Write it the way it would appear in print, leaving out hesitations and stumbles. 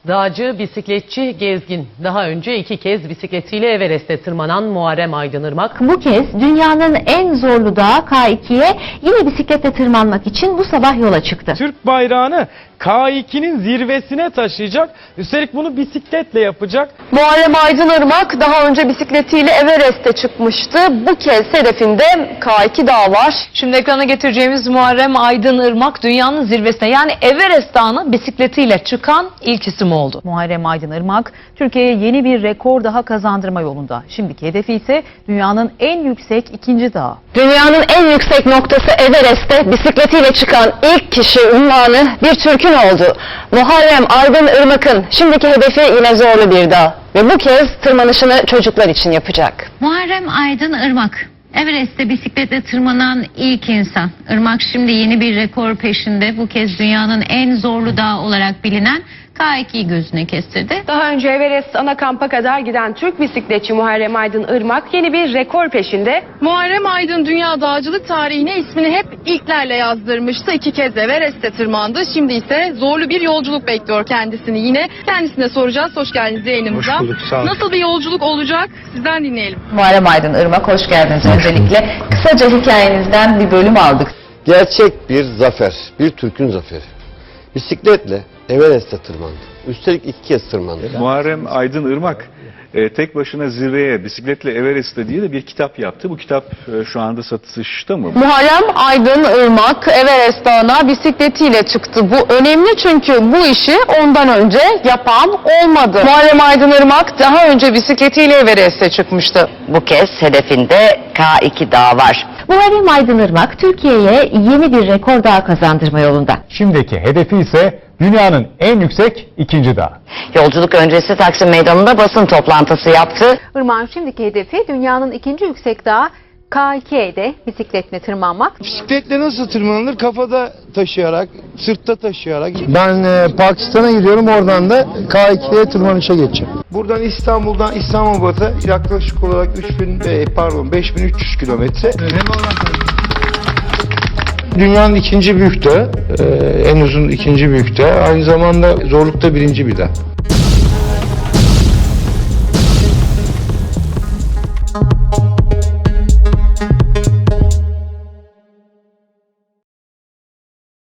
Dağcı, bisikletçi, gezgin. Daha önce 2 kez bisikletiyle Everest'e tırmanan Muharrem Aydınırmak, Bu kez dünyanın en zorlu dağı K2'ye yine bisikletle tırmanmak için bu sabah yola çıktı. Türk bayrağını K2'nin zirvesine taşıyacak. Üstelik bunu bisikletle yapacak. Muharrem Aydınırmak daha önce bisikletiyle Everest'e çıkmıştı. Bu kez hedefinde K2 Dağı var. Şimdi ekrana getireceğimiz Muharrem Aydınırmak dünyanın zirvesine yani Everest Dağı'na bisikletiyle çıkan ilk isim oldu. Muharrem Aydınırmak, Türkiye'ye yeni bir rekor daha kazandırma yolunda. Şimdiki hedefi ise dünyanın en yüksek 2. dağı. Dünyanın en yüksek noktası Everest'te bisikletiyle çıkan ilk kişi unvanı bir Türk'ün oldu. Muharrem Aydınırmak'ın şimdiki hedefi yine zorlu bir dağ ve bu kez tırmanışını çocuklar için yapacak. Muharrem Aydınırmak, Everest'te bisikletle tırmanan ilk insan. Irmak şimdi yeni bir rekor peşinde. Bu kez dünyanın en zorlu dağı olarak bilinen K2'yi gözüne kestirdi. Daha önce Everest ana kampa kadar giden Türk bisikletçi Muharrem Aydınırmak yeni bir rekor peşinde. Muharrem Aydın dünya dağcılık tarihine ismini hep ilklerle yazdırmıştı. 2 kez Everest'te tırmandı. Şimdi ise zorlu bir yolculuk bekliyor kendisini yine. Kendisine soracağız. Hoş geldiniz yayınımıza. Hoş bulduk, sağ olun. Nasıl bir yolculuk olacak? Sizden dinleyelim. Muharrem Aydınırmak, hoş geldiniz öncelikle. Kısaca hikayenizden bir bölüm aldık. Gerçek bir zafer, bir Türk'ün zaferi. Bisikletle Everest'e tırmandı. Üstelik 2 kez tırmandı. Muharrem Aydınırmak tek başına zirveye bisikletle Everest'te diye de bir kitap yaptı. Bu kitap şu anda satışta mı? Muharrem Aydınırmak Everest Dağı'na bisikletiyle çıktı. Bu önemli çünkü bu işi ondan önce yapan olmadı. Muharrem Aydınırmak daha önce bisikletiyle Everest'e çıkmıştı. Bu kez hedefinde K2 Dağı var. Muharrem Aydınırmak Türkiye'ye yeni bir rekor daha kazandırma yolunda. Şimdiki hedefi ise dünyanın en yüksek 2. dağı. Yolculuk öncesi Taksim Meydanı'nda basın toplantısı yaptı. Irmak'ın şimdiki hedefi dünyanın 2. yüksek dağı K2'de bisikletle tırmanmak. Bisikletle nasıl tırmanılır? Kafada taşıyarak, sırtta taşıyarak. Ben Pakistan'a gidiyorum, oradan da K2'ye tırmanışa geçeceğim. Buradan İstanbul'dan İslamabad'a yaklaşık olarak 5300 kilometre. Dünyanın 2. büyük dağı, en uzun 2. büyük dağı. Aynı zamanda zorlukta 1. bir dağ.